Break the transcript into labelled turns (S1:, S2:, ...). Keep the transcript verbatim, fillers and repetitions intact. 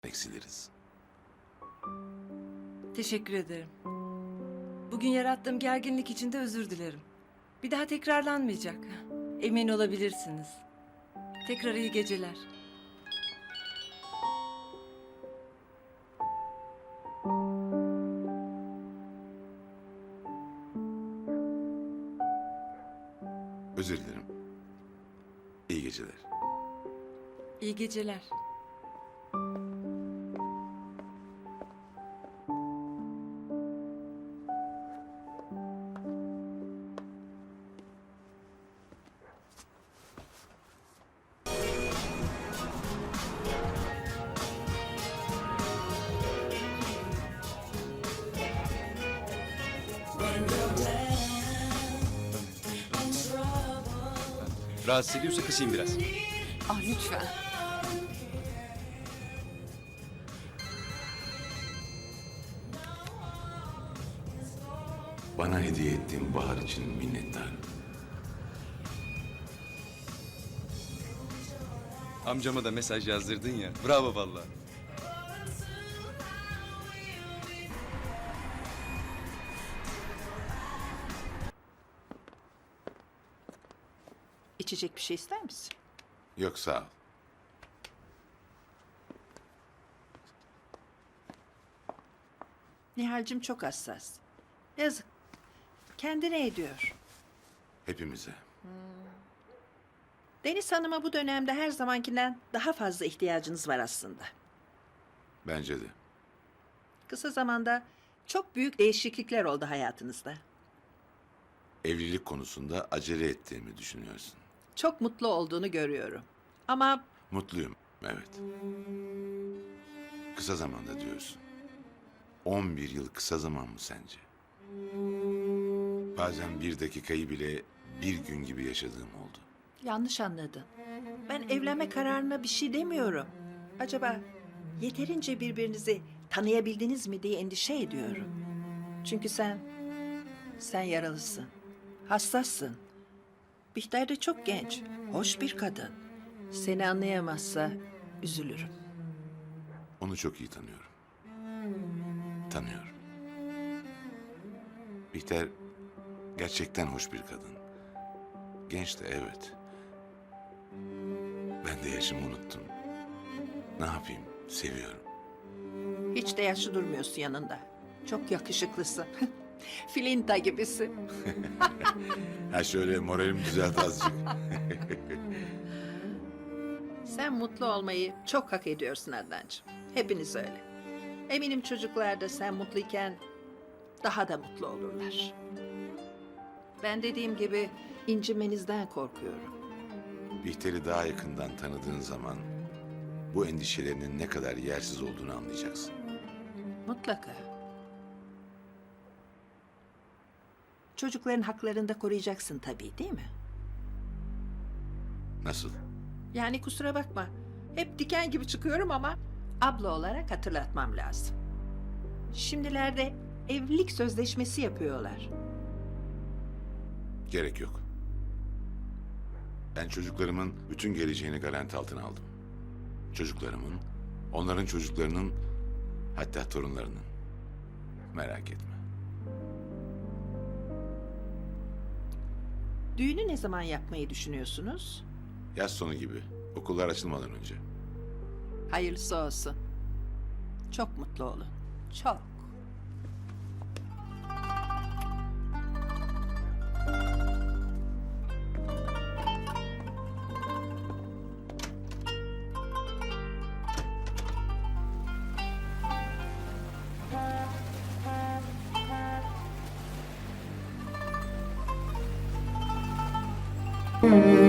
S1: eksiliriz.
S2: Teşekkür ederim. Bugün yarattığım gerginlik için de özür dilerim. Bir daha tekrarlanmayacak. Emin olabilirsiniz. Tekrar iyi geceler.
S1: Özür dilerim. İyi geceler.
S2: İyi geceler.
S3: Rahatsız ediyorsa kısayım biraz.
S4: Ah lütfen.
S1: Bana hediye ettiğin bahar için minnettarım.
S3: Amcama da mesaj yazdırdın ya. Bravo vallahi.
S4: İçecek bir şey ister misin?
S1: Yok sağ ol.
S4: Nihal'cim çok hassas. Yazık. Kendine ediyor.
S1: Hepimize.
S4: Deniz Hanım'a bu dönemde her zamankinden daha fazla ihtiyacınız var aslında.
S1: Bence de.
S4: Kısa zamanda çok büyük değişiklikler oldu hayatınızda.
S1: Evlilik konusunda acele ettiğimi düşünüyorsun.
S4: Çok mutlu olduğunu görüyorum. Ama
S1: Mutluyum, evet. Kısa zamanda diyorsun. On bir yıl kısa zaman mı sence? Bazen bir dakikayı bile bir gün gibi yaşadığım oldu.
S4: yanlış anladın. Ben evlenme kararına bir şey demiyorum. Acaba yeterince birbirinizi tanıyabildiniz mi diye endişe ediyorum. Çünkü sen, sen yaralısın. Hassassın. Bihter de çok genç, hoş bir kadın. Seni anlayamazsa üzülürüm.
S1: Onu çok iyi tanıyorum. Tanıyorum. Bihter gerçekten hoş bir kadın. Genç de evet. Ben de yaşımı unuttum. Ne yapayım? Seviyorum.
S4: Hiç de yaşlı durmuyorsun yanında. Çok yakışıklısın. Filinta gibisin.
S1: Ha şöyle moralimi düzelt azıcık.
S4: Sen mutlu olmayı çok hak ediyorsun Adnancığım. Hepiniz öyle. Eminim çocuklar da sen mutluyken daha da mutlu olurlar. Ben dediğim gibi incinmenizden korkuyorum.
S1: Bihter'i daha yakından tanıdığın zaman bu endişelerinin ne kadar yersiz olduğunu anlayacaksın.
S4: Mutlaka. Çocukların haklarını da koruyacaksın tabii, değil mi?
S1: Nasıl?
S4: Yani kusura bakma. Hep diken gibi çıkıyorum ama abla olarak hatırlatmam lazım. Şimdilerde evlilik sözleşmesi yapıyorlar.
S1: Gerek yok. Ben çocuklarımın bütün geleceğini garanti altına aldım. Çocuklarımın, onların çocuklarının, hatta torunlarının. Merak etme.
S4: Düğünü ne zaman yapmayı düşünüyorsunuz?
S1: Yaz sonu gibi, okullar açılmadan önce.
S4: Hayırlısı olsun. Çok mutlu olun. Çok.
S5: Mm-hmm.